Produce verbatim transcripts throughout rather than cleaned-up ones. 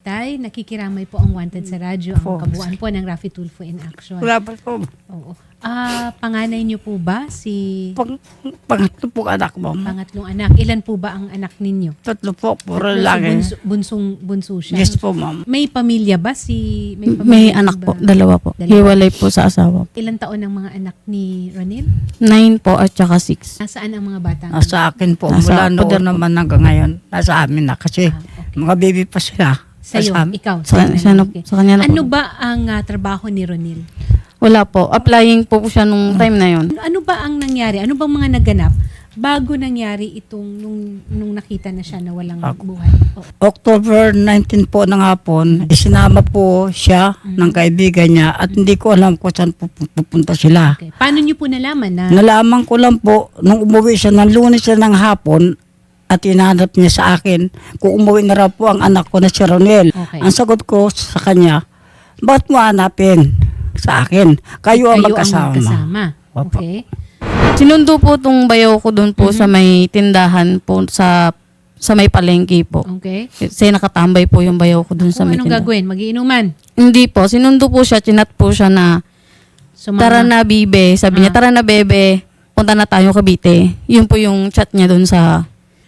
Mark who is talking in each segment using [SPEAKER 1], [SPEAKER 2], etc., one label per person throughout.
[SPEAKER 1] Tay, nakikiramay po ang Wanted sa radyo, ang
[SPEAKER 2] Po.
[SPEAKER 1] kabuuan po ng Raffy Tulfo in Action.
[SPEAKER 2] Wala pa po.
[SPEAKER 1] Oo. Ah, panganay niyo po ba si
[SPEAKER 2] Pang, pangatlo po anak mo.
[SPEAKER 1] pangatlong anak? Ilan po ba ang anak ninyo?
[SPEAKER 2] Tatlo po, puro
[SPEAKER 1] So,
[SPEAKER 2] lagi.
[SPEAKER 1] bunso, bunsong bunso siya.
[SPEAKER 2] Yes po, ma'am.
[SPEAKER 1] May pamilya ba si may,
[SPEAKER 3] May
[SPEAKER 1] pamilya
[SPEAKER 3] anak
[SPEAKER 1] ba?
[SPEAKER 3] po, dalawa po.
[SPEAKER 1] Dalawa.
[SPEAKER 3] Hiwalay po sa asawa.
[SPEAKER 1] Ilan taon ang mga anak ni Ronil?
[SPEAKER 3] Nine po at saka six.
[SPEAKER 1] Nasaan ang mga bata?
[SPEAKER 2] Nasa akin po,
[SPEAKER 3] Nasa
[SPEAKER 2] mula
[SPEAKER 3] ako
[SPEAKER 2] noon
[SPEAKER 3] din.
[SPEAKER 2] naman hanggang ngayon. Nasa amin na kasi
[SPEAKER 1] Ah, okay.
[SPEAKER 2] mga baby pa sila.
[SPEAKER 1] Sa'yo,
[SPEAKER 2] Nasa amin.
[SPEAKER 1] ikaw.
[SPEAKER 3] Sa,
[SPEAKER 1] sa'yo
[SPEAKER 3] siya
[SPEAKER 1] na-
[SPEAKER 3] na,
[SPEAKER 1] okay.
[SPEAKER 3] sa kanya na
[SPEAKER 1] Ano
[SPEAKER 3] po.
[SPEAKER 1] ba ang ah, trabaho ni Ronil?
[SPEAKER 3] Wala po. Applying po, po siya nung time na yon.
[SPEAKER 1] Ano, ano ba ang nangyari? Ano bang mga naganap bago nangyari itong nung, nung nakita na siya na walang
[SPEAKER 2] Ako.
[SPEAKER 1] buhay? Oh,
[SPEAKER 2] October nineteenth po ng hapon, isinama po siya ng kaibigan niya at hindi ko alam kung saan pup- pupunta sila.
[SPEAKER 1] okay. Paano niyo po nalaman na
[SPEAKER 2] Nalaman ko lang po, nung umuwi siya ng Lunes siya ng hapon, at hinahanap niya sa akin kung umuwi na raw po ang anak ko na si Ronel.
[SPEAKER 1] Okay.
[SPEAKER 2] Ang sagot ko sa kanya, bakit mo hanapin sa akin? Kayo ang
[SPEAKER 1] kayo
[SPEAKER 2] magkasama.
[SPEAKER 1] ang magkasama?
[SPEAKER 2] Opo.
[SPEAKER 1] Okay.
[SPEAKER 3] Sinundo po tong bayaw ko doon po sa may tindahan po sa sa may palengke po.
[SPEAKER 1] Okay.
[SPEAKER 3] Kasi nakatambay po yung bayaw ko doon sa
[SPEAKER 1] Kung
[SPEAKER 3] may
[SPEAKER 1] anong
[SPEAKER 3] tindahan.
[SPEAKER 1] gagawin? Magiinuman.
[SPEAKER 3] Hindi po. Sinundo po siya. Chinat po siya na
[SPEAKER 1] Sumama.
[SPEAKER 3] tara na bibe. Sabi niya,
[SPEAKER 1] Ah.
[SPEAKER 3] tara na bebe. Punta na tayo Cavite. Yun po yung chat niya doon sa...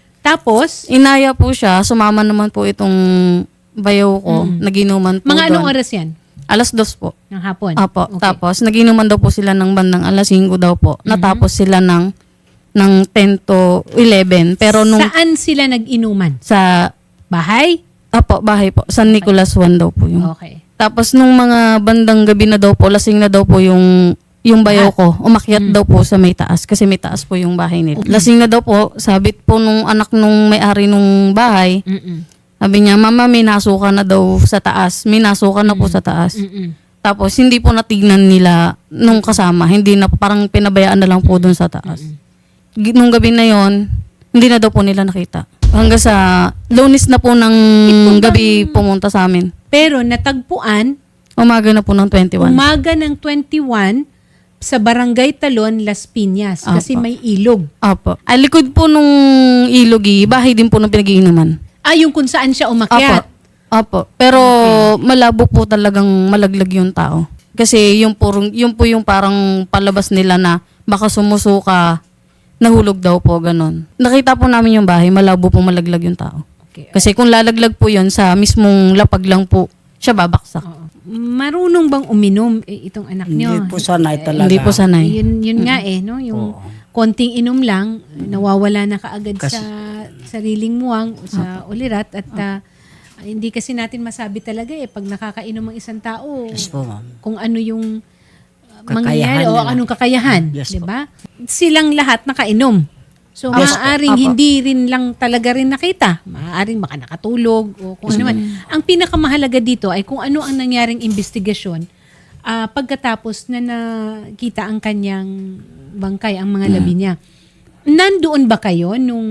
[SPEAKER 1] Tapos,
[SPEAKER 3] Inaya po siya. Sumama naman po itong bayaw ko.
[SPEAKER 1] Mm.
[SPEAKER 3] Naginuman po
[SPEAKER 1] mga anong
[SPEAKER 3] doon.
[SPEAKER 1] oras yan?
[SPEAKER 3] Alas dos po.
[SPEAKER 1] Ng hapon?
[SPEAKER 3] Apo.
[SPEAKER 1] Okay.
[SPEAKER 3] Tapos, naginuman daw po sila ng bandang alas singko daw po.
[SPEAKER 1] Mhm.
[SPEAKER 3] Natapos sila ng ng ten to eleven. Pero nung
[SPEAKER 1] Saan sila nag-inuman?
[SPEAKER 3] sa...
[SPEAKER 1] Bahay?
[SPEAKER 3] Apo, bahay po. San Nicolas one daw po yung...
[SPEAKER 1] Okay.
[SPEAKER 3] Tapos nung mga bandang gabi na daw po, lasing na daw po yung yung bayaw ko. Umakyat
[SPEAKER 1] Mm.
[SPEAKER 3] daw po sa may taas kasi may taas po yung bahay nila.
[SPEAKER 1] Okay.
[SPEAKER 3] Lasing na daw po, sabit po nung anak nung may-ari nung bahay.
[SPEAKER 1] Mm-mm.
[SPEAKER 3] Sabi niya, mama, may nasuka na daw sa taas. May nasuka na po sa taas.
[SPEAKER 1] Mm-mm.
[SPEAKER 3] Tapos hindi po natignan nila nung kasama. Hindi na parang pinabayaan na lang po dun sa taas. Gi- Nung gabi na yon, hindi na daw po nila nakita. Hanggang sa Lunes na po ng gabi pumunta sa amin.
[SPEAKER 1] Pero natagpuan,
[SPEAKER 3] Umaga na po ng twenty-one.
[SPEAKER 1] umaga ng twenty-one sa Barangay Talon, Las Piñas. Kasi
[SPEAKER 3] Apo.
[SPEAKER 1] may ilog.
[SPEAKER 3] Opo. Ay, likod po nung ilogi, bahay din po ng pinag-iinuman.
[SPEAKER 1] Ah, yung kung saan siya
[SPEAKER 3] Opo.
[SPEAKER 1] umakyat.
[SPEAKER 3] Opo. Pero malabo po talagang malaglag yung tao. Kasi yung, purong, yung po yung parang palabas nila na baka sumusuka, nahulog daw po, ganon. Nakita po namin yung bahay, malabo po malaglag yung tao.
[SPEAKER 1] Okay.
[SPEAKER 3] Kasi kung lalaglag po yun sa mismong lapag lang po, siya babaksak.
[SPEAKER 1] Oo. Marunong bang uminom eh, itong anak niyo?
[SPEAKER 2] Hindi po sanay talaga.
[SPEAKER 3] Hindi po sanay.
[SPEAKER 1] Yun, yun nga eh, no? Yung konting inom lang, nawawala na kaagad
[SPEAKER 2] Kasi-
[SPEAKER 1] sa sariling muwang o sa ulirat at ah, hindi kasi natin masabi talaga eh pag nakakainom ang isang tao
[SPEAKER 2] Yes po, ma'am.
[SPEAKER 1] kung ano yung ah,
[SPEAKER 2] Kakayahan
[SPEAKER 1] mangyayari o
[SPEAKER 2] nila.
[SPEAKER 1] anong kakayahan,
[SPEAKER 2] Yes
[SPEAKER 1] 'di
[SPEAKER 2] po.
[SPEAKER 1] ba? Silang lahat nakainom. So
[SPEAKER 3] Yes po.
[SPEAKER 1] maaaring
[SPEAKER 3] Apo.
[SPEAKER 1] hindi rin lang talaga rin nakita. Maaaring baka nakatulog o kung ano man. Ang pinakamahalaga dito ay kung ano ang nangyaring investigasyon ah, pagkatapos na nakita ang kanyang bangkay, ang mga labi niya. Nandoon ba kayo nung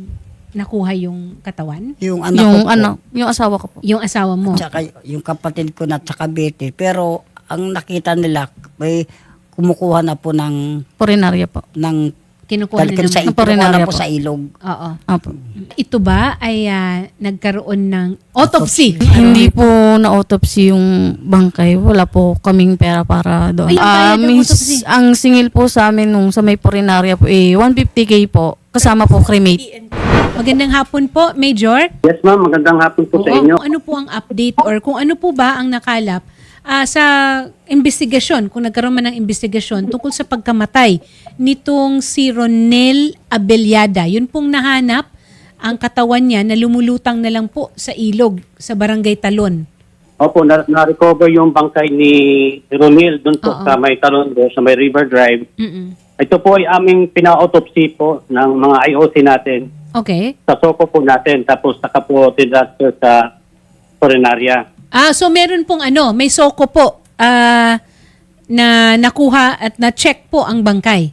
[SPEAKER 1] nakuha yung katawan?
[SPEAKER 2] Yung anak
[SPEAKER 3] Yung
[SPEAKER 2] ko po,
[SPEAKER 3] ano, yung asawa ko po.
[SPEAKER 1] Yung asawa mo?
[SPEAKER 2] tsaka yung kapatid ko na tsaka Betty. Pero ang nakita nila, may kumukuha na po ng,
[SPEAKER 3] Porinarya po.
[SPEAKER 2] ng
[SPEAKER 1] Kinukuha na
[SPEAKER 2] Talkin sa,
[SPEAKER 1] naman.
[SPEAKER 2] kinukuha na
[SPEAKER 3] Parinarya
[SPEAKER 2] po
[SPEAKER 3] po.
[SPEAKER 2] sa ilog.
[SPEAKER 1] Oo.
[SPEAKER 3] Opo.
[SPEAKER 1] Ito ba ay ah, nagkaroon ng autopsy?
[SPEAKER 3] Hindi po na-autopsy yung bangkay. Wala po kaming pera para doon.
[SPEAKER 1] Ay, ang
[SPEAKER 3] Ah,
[SPEAKER 1] bayad ng
[SPEAKER 3] mis-
[SPEAKER 1] autopsy.
[SPEAKER 3] ang singil po sa amin nung sa may Porinarya po, eh, one fifty K po. Kasama po cremate.
[SPEAKER 1] Magandang hapon po, Major.
[SPEAKER 4] Yes ma'am, magandang hapon po sa
[SPEAKER 1] Oo,
[SPEAKER 4] inyo.
[SPEAKER 1] kung ano po ang update or kung ano po ba ang nakalap ah, sa investigasyon, kung nagkaroon man ng investigasyon tungkol sa pagkamatay nitong si Ronel Abelyada. Yun pong nahanap ang katawan niya na lumulutang na lang po sa ilog sa Barangay Talon.
[SPEAKER 4] Opo, na- na-recover yung bangkay ni Ronil doon po
[SPEAKER 1] Oo.
[SPEAKER 4] sa may Talon do, sa may River Drive.
[SPEAKER 1] Mm-mm.
[SPEAKER 4] Ito po ay aming pina-autopsy po ng mga I O C natin
[SPEAKER 1] Okay.
[SPEAKER 4] sa Soko po natin, tapos saka po tinransfer sa Coronaria.
[SPEAKER 1] Ah, so meron pong ano, may soko po ah, na nakuha at na-check po ang bangkay.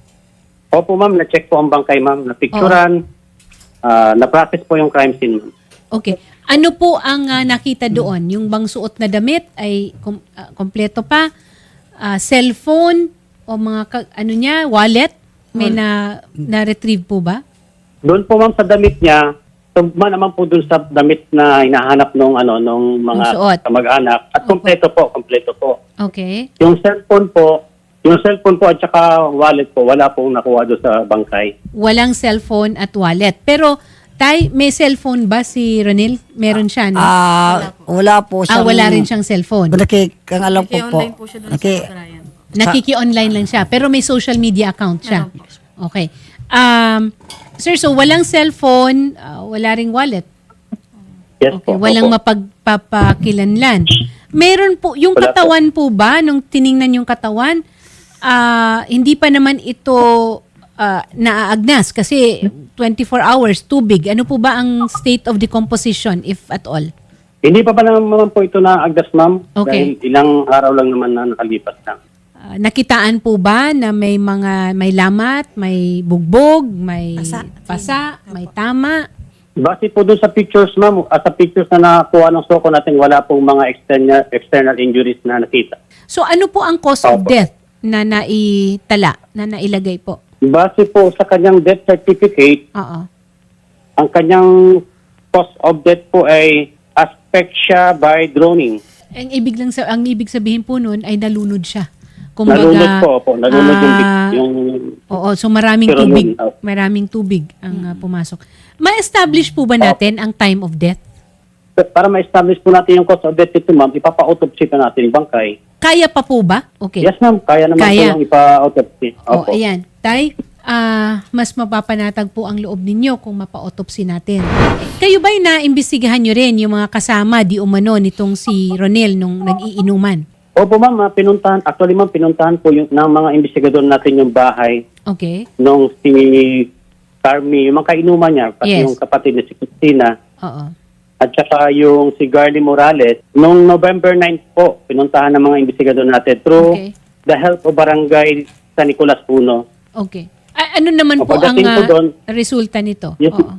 [SPEAKER 4] Opo ma'am, na-check po ang bangkay ma'am, na-picturean, ah, na-process po yung crime scene ma'am.
[SPEAKER 1] Okay. Ano po ang ah, nakita doon? Yung bang suot na damit ay kom- ah, kompleto pa? Ah, cellphone o mga ka- ano niya, wallet? May na na-retrieve po ba?
[SPEAKER 4] Doon po ma'am sa damit niya, Tugma naman po dun sa damit na hinahanap nung ano nung
[SPEAKER 1] Nung suot.
[SPEAKER 4] mga kamag-anak at
[SPEAKER 1] Opo.
[SPEAKER 4] kompleto po, kompleto po.
[SPEAKER 1] Okay.
[SPEAKER 4] Yung cellphone po, yung cellphone po at saka wallet po, wala pong nakuha doon sa bangkay.
[SPEAKER 1] Walang cellphone at wallet. Pero, Tay, may cellphone ba si Ronil? Meron siya, no?
[SPEAKER 2] Ah, wala po
[SPEAKER 1] ah,
[SPEAKER 2] siyang...
[SPEAKER 1] wala rin siyang cellphone.
[SPEAKER 2] Naki, kang alam ko po.
[SPEAKER 3] Naki-online po siya doon
[SPEAKER 2] Naki,
[SPEAKER 3] sa Brian.
[SPEAKER 1] Nakiki-online lang siya. Pero may social media account siya. Okay. Um, sir, so walang cellphone, ah, wala ring wallet.
[SPEAKER 4] Yes
[SPEAKER 1] Okay,
[SPEAKER 4] po.
[SPEAKER 1] walang
[SPEAKER 4] opo.
[SPEAKER 1] mapagpapakilanlan. Meron po, yung
[SPEAKER 4] Wala po.
[SPEAKER 1] katawan po ba, nung tiningnan yung katawan, ah, hindi pa naman ito ah, naaagnas kasi twenty-four hours, tubig. Ano po ba ang state of decomposition, if at all?
[SPEAKER 4] Hindi pa pa naman po ito na agdas, ma'am.
[SPEAKER 1] Okay.
[SPEAKER 4] Dahil ilang araw lang naman na nakalipas na.
[SPEAKER 1] Ah, nakitaan po ba na may mga, may lamat, may bugbog, may pasa, may tama?
[SPEAKER 4] Base po doon sa pictures, ma'am, at sa pictures na nakuha ng soko natin, wala pong mga external, external injuries na nakita.
[SPEAKER 1] So ano po ang cause of
[SPEAKER 4] Opo.
[SPEAKER 1] death na naitala, na nailagay po?
[SPEAKER 4] Base po sa kanyang death certificate,
[SPEAKER 1] Oo.
[SPEAKER 4] ang kanyang cause of death po ay asphyxia by drowning.
[SPEAKER 1] Ang ibig lang sa ang ibig sabihin po noon ay nalunod siya.
[SPEAKER 4] Nalunod po po, nalunod yung,
[SPEAKER 1] ah,
[SPEAKER 4] yung
[SPEAKER 1] Oo, so maraming
[SPEAKER 4] Pero
[SPEAKER 1] tubig,
[SPEAKER 4] nun, oh.
[SPEAKER 1] maraming tubig ang ah, pumasok. Ma-establish po ba natin ang time of death?
[SPEAKER 4] para ma-establish po natin yung cause of death ito, ma'am, ipapa-autopsy pa natin yung bangkay.
[SPEAKER 1] Kaya pa po ba? Okay.
[SPEAKER 4] Yes, ma'am, kaya naman
[SPEAKER 1] Kaya.
[SPEAKER 4] po yung ipa-autopsy.
[SPEAKER 1] O,
[SPEAKER 4] Opo.
[SPEAKER 1] ayan. Tay, ah, mas mapapanatag po ang loob ninyo kung mapa-autopsy natin. Kayo ba'y naimbestigahan nyo rin yung mga kasama di umano nitong si Ronel nung nag-iinuman?
[SPEAKER 4] Opo, ma'am, ah, pinuntahan, actually, ma'am, pinuntahan po yung, ng mga investigador natin yung bahay
[SPEAKER 1] Okay.
[SPEAKER 4] nung si Carmi, yung mga kainuman niya, pati
[SPEAKER 1] Yes.
[SPEAKER 4] yung kapatid ni si Christina,
[SPEAKER 1] Oo.
[SPEAKER 4] at saka yung si Garly Morales. Noong November ninth po, pinuntahan ng mga investigador natin through
[SPEAKER 1] Okay.
[SPEAKER 4] the help of Barangay San Nicolas Puno.
[SPEAKER 1] Okay. A- ano naman
[SPEAKER 4] O,
[SPEAKER 1] po ang
[SPEAKER 4] pagdating po
[SPEAKER 1] ah,
[SPEAKER 4] doon-
[SPEAKER 1] resulta nito?
[SPEAKER 4] Yes.
[SPEAKER 1] Oo.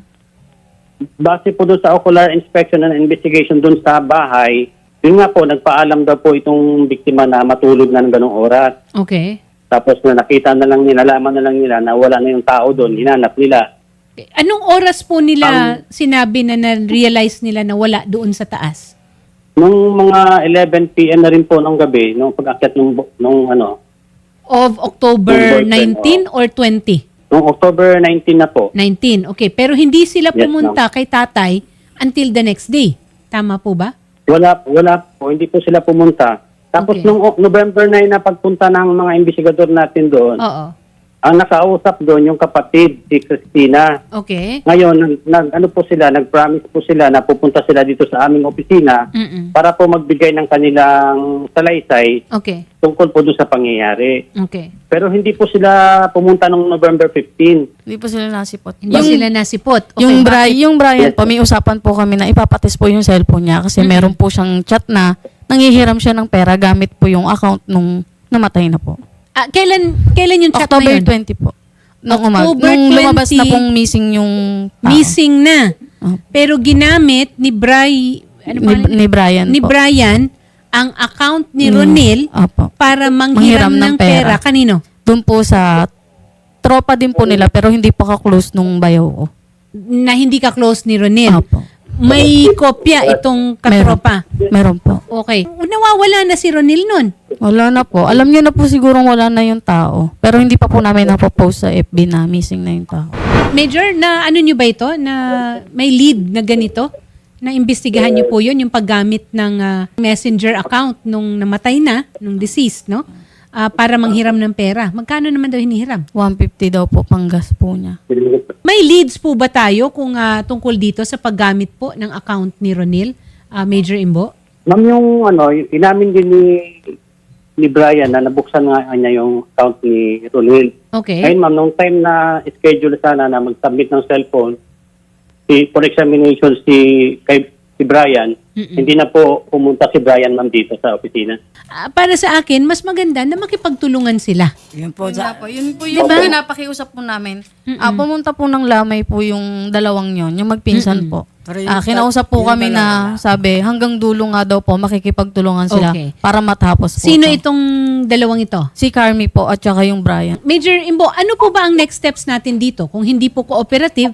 [SPEAKER 4] Base po doon sa ocular inspection and investigation doon sa bahay, yun nga po, nagpaalam daw po itong biktima na matulog na ng ganong oras.
[SPEAKER 1] Okay.
[SPEAKER 4] Tapos na nakita na lang nila, nalaman na lang nila na wala na yung tao doon, hinanap nila.
[SPEAKER 1] Anong oras po nila sinabi na na-realize nila na wala doon sa taas?
[SPEAKER 4] Nung mga eleven p.m. na rin po ng gabi, nung pag-akyat nung, bu- nung ano,
[SPEAKER 1] Of October
[SPEAKER 4] Yung boyfriend,
[SPEAKER 1] nineteen or twenty?
[SPEAKER 4] nung October nineteenth na po.
[SPEAKER 1] nineteen. Okay. Pero hindi sila
[SPEAKER 4] Yes,
[SPEAKER 1] pumunta kay tatay until the next day. Tama po ba?
[SPEAKER 4] Wala, wala po, hindi po sila pumunta. Tapos
[SPEAKER 1] Okay.
[SPEAKER 4] nung o- November ninth na pagpunta ng mga investigador natin doon,
[SPEAKER 1] Oo.
[SPEAKER 4] ang nakausap doon yung kapatid, si Christina.
[SPEAKER 1] Okay.
[SPEAKER 4] Ngayon, nag, nag- ano po sila, nag-promise po sila na pupunta sila dito sa aming opisina
[SPEAKER 1] Mm-mm.
[SPEAKER 4] para po magbigay ng kanilang salaysay
[SPEAKER 1] Okay.
[SPEAKER 4] tungkol po doon sa pangyayari.
[SPEAKER 1] Okay.
[SPEAKER 4] Pero hindi po sila pumunta nung November fifteenth.
[SPEAKER 3] Hindi po sila nasipot.
[SPEAKER 1] Hindi sila nasipot. Okay.
[SPEAKER 3] Yung,
[SPEAKER 1] bakit?
[SPEAKER 3] Bri- yung Brian
[SPEAKER 4] Yes,
[SPEAKER 3] po, may usapan po kami na ipapatis po yung cellphone niya kasi meron po siyang chat na nangihiram siya ng pera gamit po yung account nung namatay na po.
[SPEAKER 1] Ah, kailan kailan yung chat
[SPEAKER 3] October
[SPEAKER 1] na yun?
[SPEAKER 3] twenty po. Nung, umag-
[SPEAKER 1] October
[SPEAKER 3] nung lumabas na
[SPEAKER 1] twenty,
[SPEAKER 3] pong missing yung tao.
[SPEAKER 1] Missing na.
[SPEAKER 3] Oh.
[SPEAKER 1] Pero ginamit ni Bri ano
[SPEAKER 3] ni,
[SPEAKER 1] pa-
[SPEAKER 3] ni Brian
[SPEAKER 1] ni
[SPEAKER 3] po.
[SPEAKER 1] Brian ang account ni
[SPEAKER 3] Mm,
[SPEAKER 1] Ronel
[SPEAKER 3] Opo.
[SPEAKER 1] para manghiram
[SPEAKER 3] Manghiram
[SPEAKER 1] ng,
[SPEAKER 3] ng
[SPEAKER 1] pera.
[SPEAKER 3] pera.
[SPEAKER 1] Kanino?
[SPEAKER 3] Doon po sa tropa din po nila pero hindi pa ka-close nung bayaw ko.
[SPEAKER 1] Na hindi ka close ni Ronel.
[SPEAKER 3] Opo.
[SPEAKER 1] May kopya itong katropa.
[SPEAKER 3] Meron po.
[SPEAKER 1] Okay. Nawawala na si Ronel nun.
[SPEAKER 3] Wala na po. Alam niyo na po siguro wala na yung tao. Pero hindi pa po namin napopost sa F B na missing na yung tao.
[SPEAKER 1] Major, na ano nyo ba ito? Na may lead na ganito? Na imbestigahan nyo po yun, yung paggamit ng ah, messenger account nung namatay na, nung deceased, no? Ah, para manghiram ng pera. Magkano naman daw hinihiram?
[SPEAKER 3] one fifty daw po panggas po niya.
[SPEAKER 1] May leads po ba tayo kung ah, tungkol dito sa paggamit po ng account ni Ronel, ah, Major Imbo?
[SPEAKER 4] Ma'am, yung ano, yung inamin din ni ni Brian na nabuksan nga niya yung account ni Ronel.
[SPEAKER 1] Okay.
[SPEAKER 4] Ngayon, ma'am, nung time na schedule sana na mag-submit ng cellphone, si, for examination si, kay, si Brian,
[SPEAKER 1] Mm-mm.
[SPEAKER 4] hindi na po pumunta si Brian, ma'am, dito sa opisina.
[SPEAKER 1] Ah, para sa akin, mas maganda na makipagtulungan sila.
[SPEAKER 2] Yun po,
[SPEAKER 3] Yun,
[SPEAKER 2] sa,
[SPEAKER 3] po, yun po yung
[SPEAKER 1] Diba?
[SPEAKER 3] pinapakiusap po namin. Ah, pumunta po ng lamay po yung dalawang yon, yung magpinsan po.
[SPEAKER 2] Pero yung
[SPEAKER 3] Ah, kinausap po
[SPEAKER 2] yung
[SPEAKER 3] kami na sabi hanggang dulo nga daw po makikipagtulungan sila
[SPEAKER 1] Okay.
[SPEAKER 3] para matapos po.
[SPEAKER 1] Sino
[SPEAKER 3] to.
[SPEAKER 1] itong dalawang ito?
[SPEAKER 3] Si Carmi po at saka yung Brian.
[SPEAKER 1] Major Imbo, ano po ba ang next steps natin dito? Kung hindi po cooperative,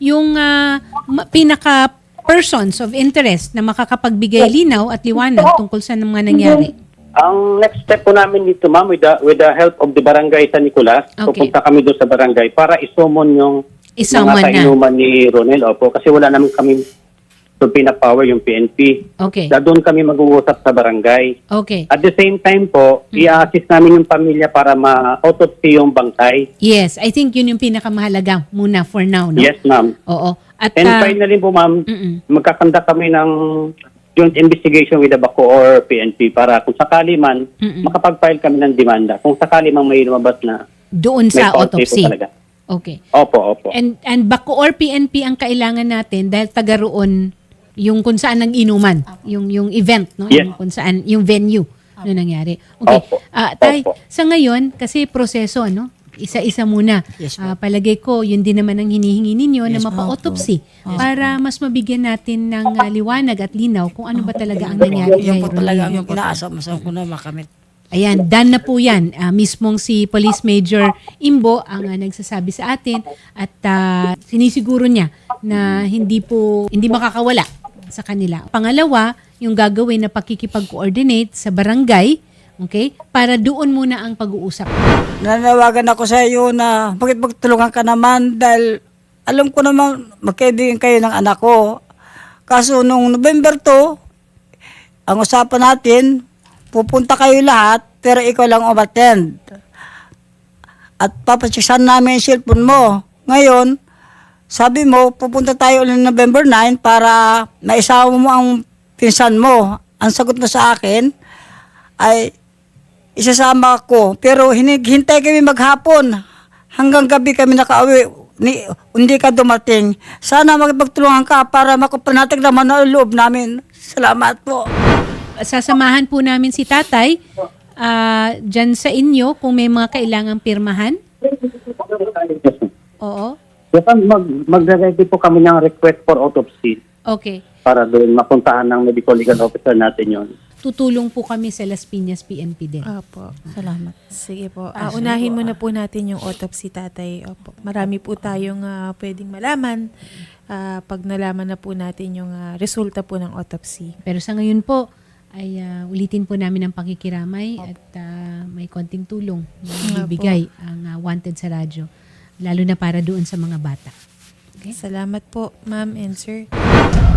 [SPEAKER 1] yung ah, ma- pinaka persons of interest na makakapagbigay linaw at liwanag tungkol sa mga nangyari?
[SPEAKER 4] Ang next step po namin dito, ma'am, with the, with the help of the barangay San Nicolas,
[SPEAKER 1] Okay.
[SPEAKER 4] pupunta kami doon sa barangay para isumon yung
[SPEAKER 1] Isummon
[SPEAKER 4] mga
[SPEAKER 1] na.
[SPEAKER 4] kainuman ni Ronel. Opo, kasi wala namin kami yung power yung P N P.
[SPEAKER 1] Okay.
[SPEAKER 4] Na doon kami mag-uusap sa barangay.
[SPEAKER 1] Okay.
[SPEAKER 4] At the same time po, i-assist namin yung pamilya para ma-autopsy yung bangkay.
[SPEAKER 1] Yes, I think yun yung pinakamahalaga muna for now, no?
[SPEAKER 4] Yes, ma'am.
[SPEAKER 1] Oo. At
[SPEAKER 4] And
[SPEAKER 1] ah,
[SPEAKER 4] finally po, ma'am,
[SPEAKER 1] mm-mm.
[SPEAKER 4] magkakanda kami ng joint investigation with the Bacoor P N P para kung sakali man,
[SPEAKER 1] Mm-mm.
[SPEAKER 4] makapag-file kami ng demanda. Kung sakali man may lumabas na
[SPEAKER 1] doon
[SPEAKER 4] may
[SPEAKER 1] sa
[SPEAKER 4] fault po
[SPEAKER 1] autopsy.
[SPEAKER 4] talaga.
[SPEAKER 1] Okay.
[SPEAKER 4] Opo, opo.
[SPEAKER 1] And and Bacoor P N P ang kailangan natin dahil taga roon yung kung saan nang inuman, yung yung event, no?
[SPEAKER 4] Yes.
[SPEAKER 1] Yung kung saan yung venue no nangyari. Okay.
[SPEAKER 4] Opo.
[SPEAKER 1] Ah, tay,
[SPEAKER 4] Opo.
[SPEAKER 1] sa ngayon kasi proseso ano, isa-isa muna.
[SPEAKER 2] Yes,
[SPEAKER 1] Ah, palagay ko yun din naman ang hinihingi ninyo na
[SPEAKER 2] Yes,
[SPEAKER 1] mapa-autopsy para mas mabigyan natin ng ah, liwanag at linaw kung ano ba talaga ang nangyari
[SPEAKER 2] Yan
[SPEAKER 1] kay
[SPEAKER 2] po
[SPEAKER 1] Ronel.
[SPEAKER 2] talaga ang inaasam-asam ko na makamit.
[SPEAKER 1] Ayan, done na po yan. Ah, mismong si Police Major Imbo ang ah, nagsasabi sa atin at ah, sinisiguro niya na hindi po hindi makakawala sa kanila. Pangalawa, yung gagawin na pakikipag-coordinate sa barangay, okay? Para doon muna ang pag-uusap.
[SPEAKER 2] Nanawagan ako sa iyo na bakit magtulungan ka naman dahil alam ko naman magkaibigan kayo ng anak ko. Kaso nung November two, ang usapan natin, pupunta kayo lahat pero ikaw lang umattend. At papachecksan namin yung cellphone mo. Ngayon, sabi mo, pupunta tayo ulit November nine para maisama mo ang pinsan mo. Ang sagot mo sa akin ay isasama ko. Pero hinighintay kami maghapon. Hanggang gabi kami nakauwi. Ni, hindi ka dumating. Sana magpagtulungan ka para makupanatag naman ang loob namin. Salamat po.
[SPEAKER 1] Sasamahan po namin si tatay ah, dyan sa inyo kung may mga kailangang pirmahan. Oo.
[SPEAKER 4] Yes, ma'am, mag, magre-ready po kami ng request for autopsy
[SPEAKER 1] Okay.
[SPEAKER 4] para doon mapuntahan ng medical legal officer natin yon.
[SPEAKER 1] Tutulong po kami sa Las Piñas P N P din.
[SPEAKER 5] Opo.
[SPEAKER 3] Salamat.
[SPEAKER 5] Sige po. Ah, unahin muna po natin yung autopsy, tatay. Opo. Marami po tayong ah, pwedeng malaman ah, pag nalaman na po natin yung ah, resulta po ng autopsy.
[SPEAKER 1] Pero sa ngayon po, ay ah, ulitin po namin ang pakikiramay at ah, may konting tulong na bibigay ang ah, wanted sa radyo. Lalo na para doon sa mga bata. Okay?
[SPEAKER 5] Salamat po, ma'am and sir.